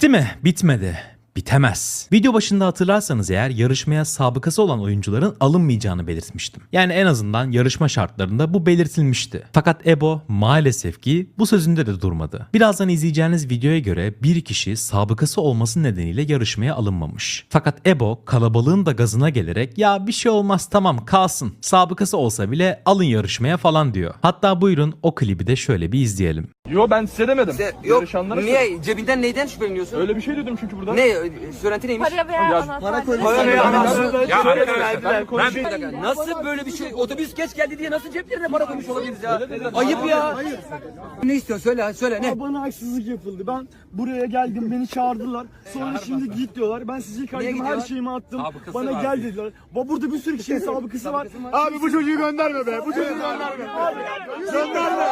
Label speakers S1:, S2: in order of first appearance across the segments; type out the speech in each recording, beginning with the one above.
S1: Bitti mi? Bitmedi. Bitemez. Video başında hatırlarsanız eğer yarışmaya sabıkası olan oyuncuların alınmayacağını belirtmiştim. Yani en azından yarışma şartlarında bu belirtilmişti. Fakat Ebo maalesef ki bu sözünde de durmadı. Birazdan izleyeceğiniz videoya göre bir kişi sabıkası olması nedeniyle yarışmaya alınmamış. Fakat Ebo kalabalığın da gazına gelerek ya bir şey olmaz tamam kalsın, sabıkası olsa bile alın yarışmaya falan diyor. Hatta buyurun o klibi de şöyle bir izleyelim.
S2: Yo ben size demedim.
S3: Yok
S2: Yarışanlara
S3: niye cebinden neyden şüpheleniyorsun?
S2: Öyle bir şey dedim çünkü burada.
S3: Ne söylenti neymiş?
S4: Para veya
S2: Ya,
S4: anahtar.
S3: Para veya anahtar.
S2: Ya
S3: Nasıl böyle bir şey? Otobüs geç geldi diye nasıl ceplerine para koymuş olabiliriz ya? Ayıp ya. Ne istiyorsun söyle ne?
S5: Bana haksızlık yapıldı. Ben buraya geldim, beni çağırdılar. Sonra şimdi git diyorlar. Ben sizi kaydım, her
S3: gidiyorlar?
S5: şeyimi attım.
S3: Sabıkası
S5: Bana
S3: var.
S5: gel dediler. Burada bir sürü kişinin sabıkası var.
S6: Abi bu çocuğu gönderme be. Bu çocuğu gönderme. Gönderme.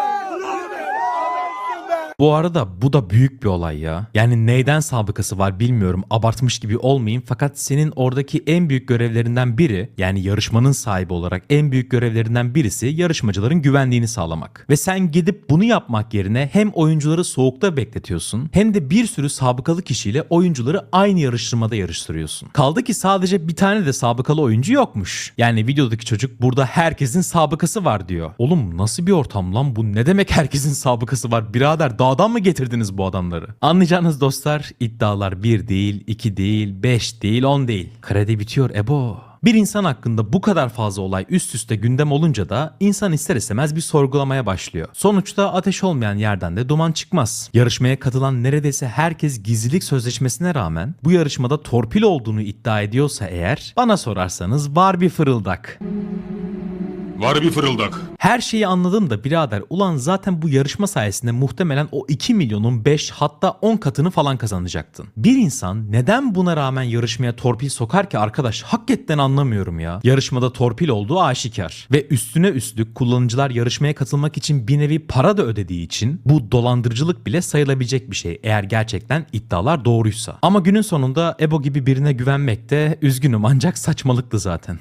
S1: Bu arada bu da büyük bir olay ya. Yani neyden sabıkası var bilmiyorum, abartmış gibi olmayayım, fakat senin oradaki en büyük görevlerinden biri, yani yarışmanın sahibi olarak en büyük görevlerinden birisi yarışmacıların güvenliğini sağlamak. Ve sen gidip bunu yapmak yerine hem oyuncuları soğukta bekletiyorsun hem de bir sürü sabıkalı kişiyle oyuncuları aynı yarıştırmada yarıştırıyorsun. Kaldı ki sadece bir tane de sabıkalı oyuncu yokmuş. Yani videodaki çocuk burada herkesin sabıkası var diyor. Oğlum nasıl bir ortam lan bu, ne demek herkesin sabıkası var birader, dağdan mı getirdiniz bu adamları? Anlayacağınız dostlar, iddialar 1 değil, 2 değil, 5 değil, 10 değil. Kredi bitiyor Ebo. Bir insan hakkında bu kadar fazla olay üst üste gündem olunca da insan ister istemez bir sorgulamaya başlıyor. Sonuçta ateş olmayan yerden de duman çıkmaz. Yarışmaya katılan neredeyse herkes gizlilik sözleşmesine rağmen bu yarışmada torpil olduğunu iddia ediyorsa eğer, bana sorarsanız var bir fırıldak.
S7: Var bir fırıldak.
S1: Her şeyi anladım da birader, ulan zaten bu yarışma sayesinde muhtemelen o 2 milyonun 5 hatta 10 katını falan kazanacaktın. Bir insan neden buna rağmen yarışmaya torpil sokar ki arkadaş, hakikaten anlamıyorum ya. Yarışmada torpil olduğu aşikar. Ve üstüne üstlük kullanıcılar yarışmaya katılmak için bir nevi para da ödediği için bu dolandırıcılık bile sayılabilecek bir şey eğer gerçekten iddialar doğruysa. Ama günün sonunda Ebo gibi birine güvenmek de üzgünüm ancak saçmalıktı zaten.